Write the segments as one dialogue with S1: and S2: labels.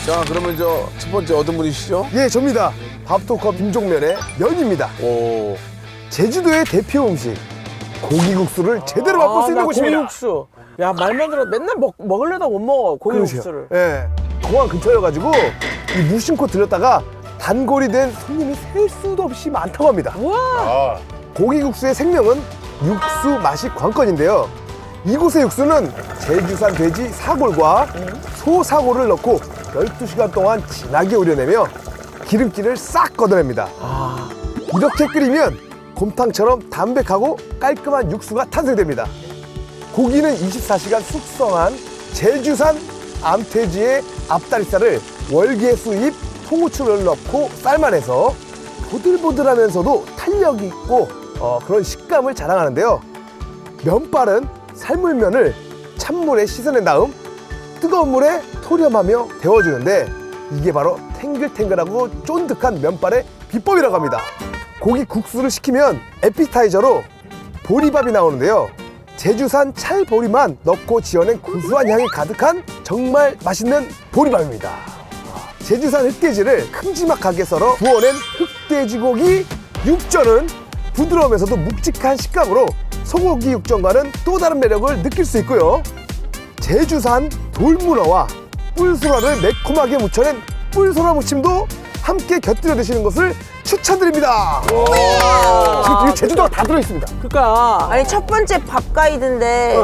S1: 자, 그러면 저 첫 번째 어떤 분이시죠?
S2: 예, 접니다. 밥도커 빈종면의 면입니다.
S1: 오.
S2: 제주도의 대표 음식 고기국수를 제대로 맛볼 수 있는
S3: 나
S2: 곳입니다.
S3: 고기국수. 야, 말만 들어 맨날 먹으려다 못 먹어, 고기국수를.
S2: 예, 공항 근처여가지고 이 무심코 들렸다가 단골이 된 손님이 셀 수도 없이 많다고 합니다.
S3: 우와.
S2: 고기국수의 생명은 육수 맛이 관건인데요. 이곳의 육수는 제주산 돼지 사골과 소 사골을 넣고 12시간 동안 진하게 우려내며 기름기를 싹 걷어냅니다. 이렇게 끓이면 곰탕처럼 담백하고 깔끔한 육수가 탄생됩니다. 고기는 24시간 숙성한 제주산 암돼지의 앞다리살을 월계 수입 통후추를 넣고 삶아내서 보들보들하면서도 탄력 있고 그런 식감을 자랑하는데요. 면발은 삶은 면을 찬물에 씻어낸 다음 뜨거운 물에 토렴하며 데워주는데 이게 바로 탱글탱글하고 쫀득한 면발의 비법이라고 합니다. 고기 국수를 시키면 에피타이저로 보리밥이 나오는데요. 제주산 찰보리만 넣고 지어낸 구수한 향이 가득한 정말 맛있는 보리밥입니다. 제주산 흑돼지를 큼지막하게 썰어 구워낸 흑돼지고기 육전은 부드러우면서도 묵직한 식감으로 소고기 육전과는 또 다른 매력을 느낄 수 있고요. 제주산 돌문어와 뿔소라를 매콤하게 무쳐낸 뿔소라 무침도 함께 곁들여 드시는 것을 추천드립니다. 지금 제주도가 다 들어있습니다.
S3: 그러니까
S4: 아니 첫 번째 밥 가이드인데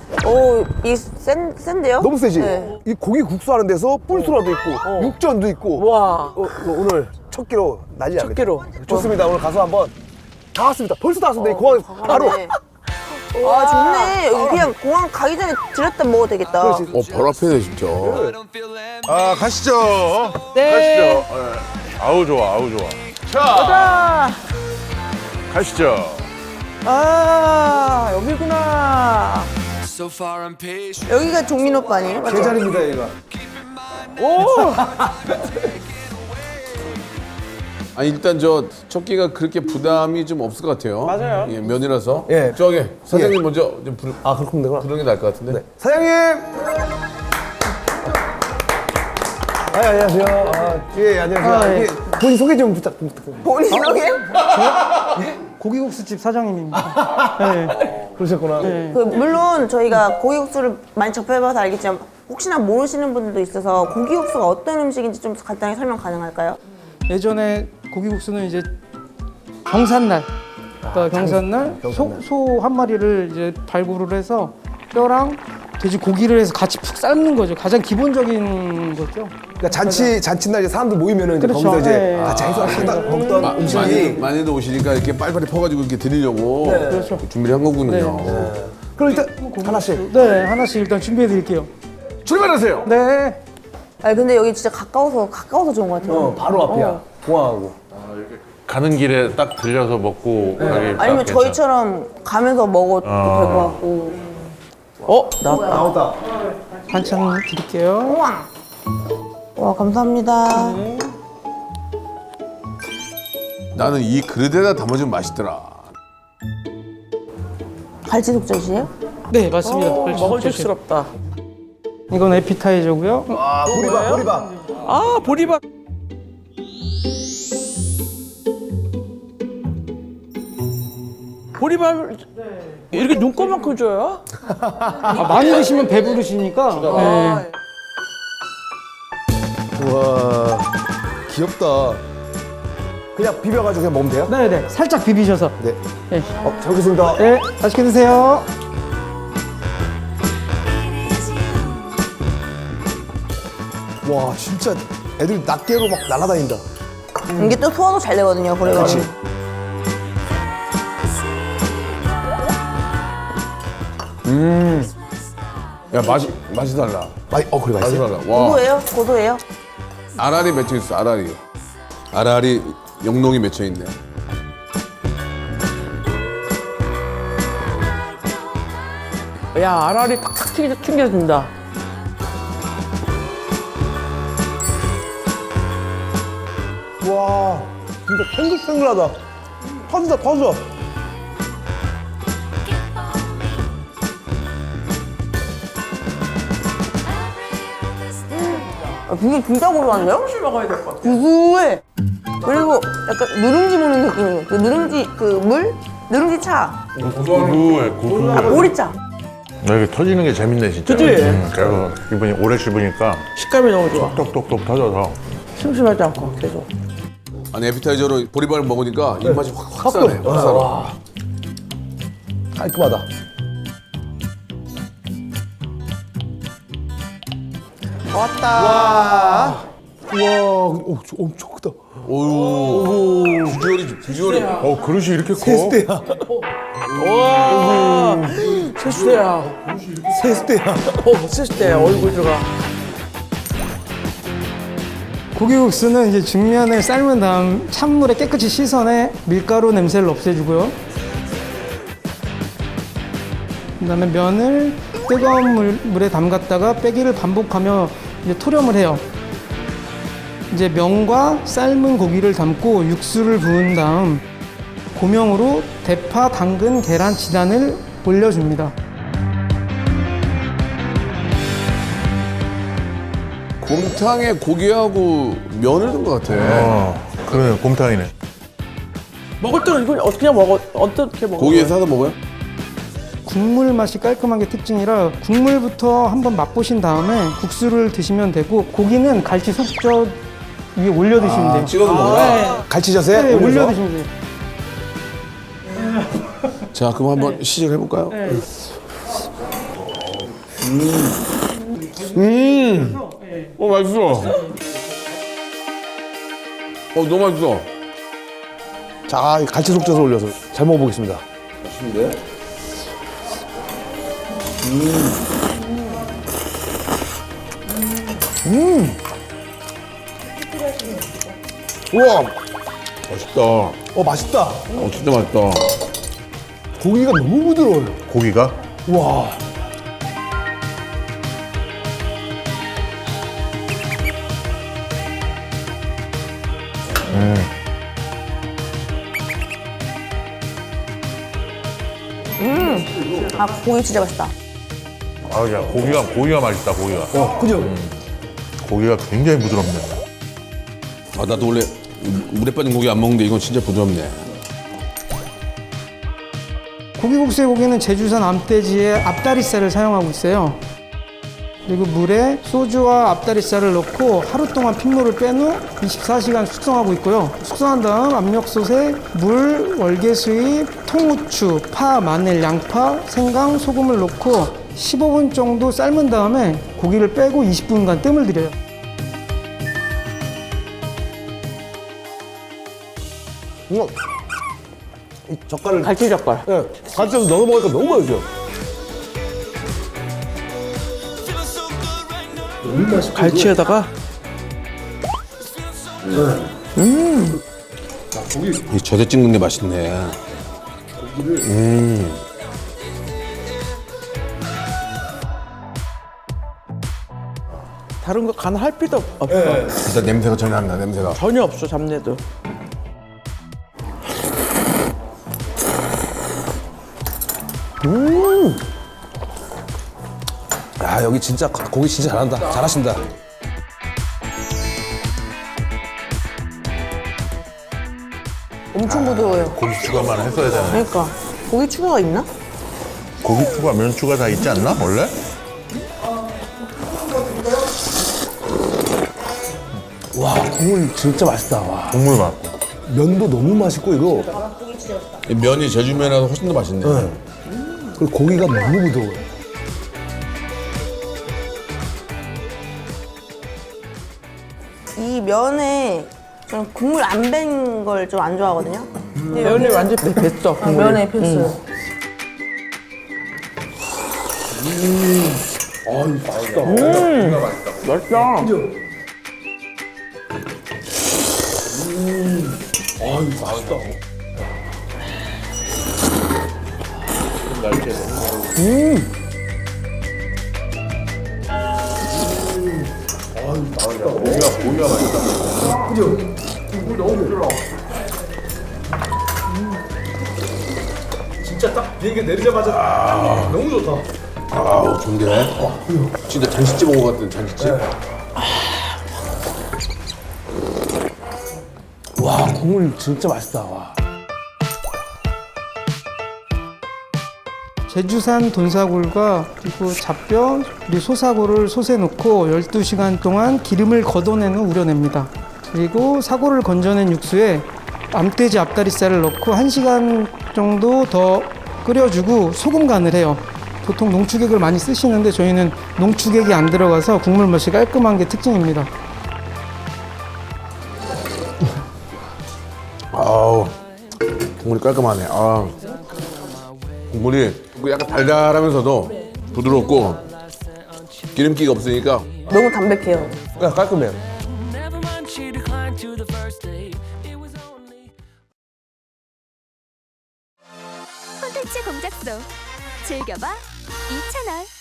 S4: 센데요?
S2: 너무 세지?
S4: 네.
S2: 이 고기 국수 하는 데서 뿔소라도 있고 육전도 있고
S3: 와.
S2: 오늘 첫 끼로 난리
S3: 첫
S2: 나겠다.
S3: 끼로.
S2: 좋습니다. 오늘 가서 한번 다 왔습니다. 벌써 다 왔습니다. 이 공항에 바로.
S4: 아 좋네. 여기 그냥 공항 가기 전에 들렸다 먹어도 되겠다.
S2: 그렇지.
S1: 바로 앞에네, 진짜.
S5: 아, 가시죠.
S3: 네.
S5: 가시죠. 예. 아우, 좋아, 아우, 좋아. 자, 가시죠.
S3: 아, 여기구나.
S4: 여기가 종민 오빠 아니에요? 맞죠?
S2: 제 자리입니다, 얘가.
S1: 아니, 일단 저 첫 끼가 그렇게 부담이 좀 없을 것 같아요.
S3: 맞아요.
S1: 예, 면이라서.
S2: 예.
S1: 저기, 사장님 먼저 좀
S2: 아, 그렇군 되구나.
S1: 부르는 게 나을 것 같은데.
S2: 사장님! 안녕하세요. 예, 안녕하세요. 예, 본인 소개 좀 부탁드립니다.
S4: 본인 소개?
S6: 고기국수집 사장님입니다. 네.
S2: 그러셨구나.
S4: 물론 저희가 고기국수를 많이 접해봐서 알겠지만 혹시나 모르시는 분들도 있어서 고기국수가 어떤 음식인지 좀 간단히 설명 가능할까요?
S6: 예전에 고기국수는 이제 경산날, 그러니까 경산날 소 한 마리를 이제 발굴을 해서 뼈랑 돼지 고기를 해서 같이 푹 삶는 거죠. 가장 기본적인 거죠.
S2: 그러니까 잔치날 이제 사람들 모이면은 이제
S6: 그렇죠.
S2: 거기서 이제
S6: 네.
S2: 같이 해서 하다 먹던 음식이.
S1: 많이들 오시니까 이렇게 빨리빨리 퍼가지고 이렇게 드리려고
S6: 그렇죠.
S1: 준비를 한 거군요.
S6: 네.
S2: 그럼 일단 하나씩
S6: 네, 하나씩 일단 준비해 드릴게요.
S2: 출발하세요.
S6: 네.
S4: 아니 근데 여기 진짜 가까워서 좋은 것 같아요.
S2: 바로 앞이야. 공항하고.
S5: 가는 길에 딱 들려서 먹고 가기 딱
S4: 아니면
S5: 괜찮아.
S4: 저희처럼 가면서 먹어도 될 것 같고.
S2: 나왔다.
S6: 반찬 드릴게요.
S4: 와 감사합니다.
S1: 나는 이 그릇에다 담아주면 맛있더라.
S4: 갈치 독젓이에요?
S6: 네, 맞습니다.
S3: 먹을식스럽다.
S6: 이건 에피타이저고요.
S2: 아, 보리밥.
S3: 아, 보리밥. 보리밥을 이렇게 눈꺼만큼 줘요?
S6: 많이 드시면 배부르시니까. 네.
S2: 우와, 귀엽다. 그냥 비벼가지고 그냥 먹으면 돼요?
S6: 네, 네. 살짝 비비셔서.
S2: 네.
S6: 네.
S2: 잘 먹겠습니다.
S6: 네, 맛있게 드세요.
S2: 와, 진짜 애들 낱개로 막 날아다닌다.
S4: 이게 또 소화도 잘 되거든요. 보리밥은.
S2: 그렇지.
S1: 야, 맛이 달라.
S2: 그래,
S1: 맛이
S2: 맛있어.
S1: 달라. 와.
S4: 고소해요? 고소해요?
S1: 알알이 맺혀 있어, 알알이. 알알이 영롱이 맺혀 있네.
S3: 야, 알알이 팍팍 튕겨진다.
S2: 와, 진짜 탱글탱글하다. 터져.
S4: 국이 진짜 고소한데요?
S3: 혹시 먹어야 될 것 같아.
S4: 구수해. 그리고 약간 누룽지 먹는 느낌이에요. 그 누룽지 그 물? 누룽지 차.
S5: 고소해, 고소해.
S4: 아, 보리차.
S5: 이렇게 터지는 게 재밌네, 진짜.
S3: 그치?
S5: 그래서 기분이 오래 씹으니까
S3: 식감이 너무 좋아.
S5: 똑똑똑 터져서.
S3: 심심하지 않고 계속.
S1: 아니 에피타이저로 보리밥을 먹으니까 입맛이 확 사네. 확 살아.
S2: 깔끔하다.
S3: 왔다.
S2: 우와, 엄청 크다.
S1: 오유. 비주얼이.
S5: 그릇이 이렇게 커?
S2: 세수대야.
S3: 와. 세수대야.
S2: 세수대야.
S3: 세수대야. 얼굴 들어가.
S6: 고기국수는 이제 중면을 삶은 다음 찬물에 깨끗이 씻어내 밀가루 냄새를 없애주고요. 그다음에 면을 뜨거운 물에 담갔다가 빼기를 반복하며 이제 토렴을 해요. 이제 면과 삶은 고기를 담고 육수를 부은 다음 고명으로 대파, 당근, 계란, 지단을 올려줍니다.
S1: 곰탕에 고기하고 면을 넣은 것 같아.
S5: 그래, 곰탕이네.
S3: 먹을 때는 이걸 어떻게 먹어? 어떻게 먹어?
S1: 고기에 싸서 먹어요?
S6: 국물 맛이 깔끔한 게 특징이라 국물부터 한번 맛보신 다음에 국수를 드시면 되고 고기는 갈치 속젓 위에 올려 드시면 돼요.
S1: 찍어서 먹어요?
S2: 갈치젓에
S6: 네, 올려
S2: 올려서.
S6: 드시면 돼요.
S1: 자, 그럼 한번 시작해 볼까요? 맛있어. 너무 맛있어.
S2: 자, 이 갈치 속젓을 올려서 잘 먹어보겠습니다.
S1: 맛있는데?
S2: 우와,
S1: 맛있다.
S2: 맛있다.
S1: 진짜 맛있다.
S2: 고기가 너무 부드러워요.
S5: 고기가?
S2: 우와.
S4: 아, 고기 진짜 맛있다.
S5: 야, 고기가 맛있다, 고기가.
S2: 그죠?
S5: 고기가 굉장히 부드럽네.
S1: 나도 원래 물에 빠진 고기 안 먹는데 이건 진짜 부드럽네.
S6: 고기국수의 고기는 제주산 암돼지의 앞다리살을 사용하고 있어요. 그리고 물에 소주와 앞다리살을 넣고 하루 동안 핏물을 뺀 후 24시간 숙성하고 있고요. 숙성한 다음 압력솥에 물, 월계수잎, 통후추, 파, 마늘, 양파, 생강, 소금을 넣고 15분 정도 삶은 다음에 고기를 빼고 20분간 뜸을 들여요.
S2: 이 젓갈을
S3: 갈치 젓갈.
S2: 네, 갈치젓 넣어 먹으니까 너무 맛있어요.
S3: 갈치에다가
S1: 이 젖에 찍는 게 맛있네.
S3: 다른 거 간 할 필요 없어.
S1: 일단 냄새가 전혀 안 나, 냄새가.
S3: 전혀 없어 잡내도.
S2: 야, 여기 진짜 고기 진짜 잘한다. 잘하신다.
S4: 엄청 부드러워요.
S5: 고기 추가만 했어야 되네.
S4: 그러니까 고기 추가가 있나?
S5: 고기 추가, 면 추가 다 있지 않나, 원래?
S2: 와, 국물 진짜 맛있다. 와.
S5: 국물 맛.
S2: 면도 너무 맛있고 이거.
S1: 이 면이 제주면이라서 훨씬 더 맛있네.
S2: 그리고 고기가 너무 부드러워요.
S4: 이 면에 저는 국물 안 뺀 걸 좀 안 좋아하거든요.
S3: 면이 완전 뱄어.
S4: 면에 필수.
S3: 맛있다.
S1: 아우, 좋은데? 진짜 잔치집 온 것 같은 잔치집.
S2: 국물 진짜 맛있다. 와.
S6: 제주산 돈사골과 그리고 잡뼈, 그리고 소사골을 솥에 넣고 12시간 동안 기름을 걷어낸 후 우려냅니다. 그리고 사골을 건져낸 육수에 암돼지 앞다리살을 넣고 1시간 정도 더 끓여주고 소금 간을 해요. 보통 농축액을 많이 쓰시는데 저희는 농축액이 안 들어가서 국물 맛이 깔끔한 게 특징입니다.
S1: 아우 국물이 깔끔하네. 아 국물이 약간 달달하면서도 부드럽고 기름기가 없으니까
S4: 너무 담백해요.
S2: 야, 깔끔해요.
S7: 콘텐츠 공작소 즐겨봐 이채널.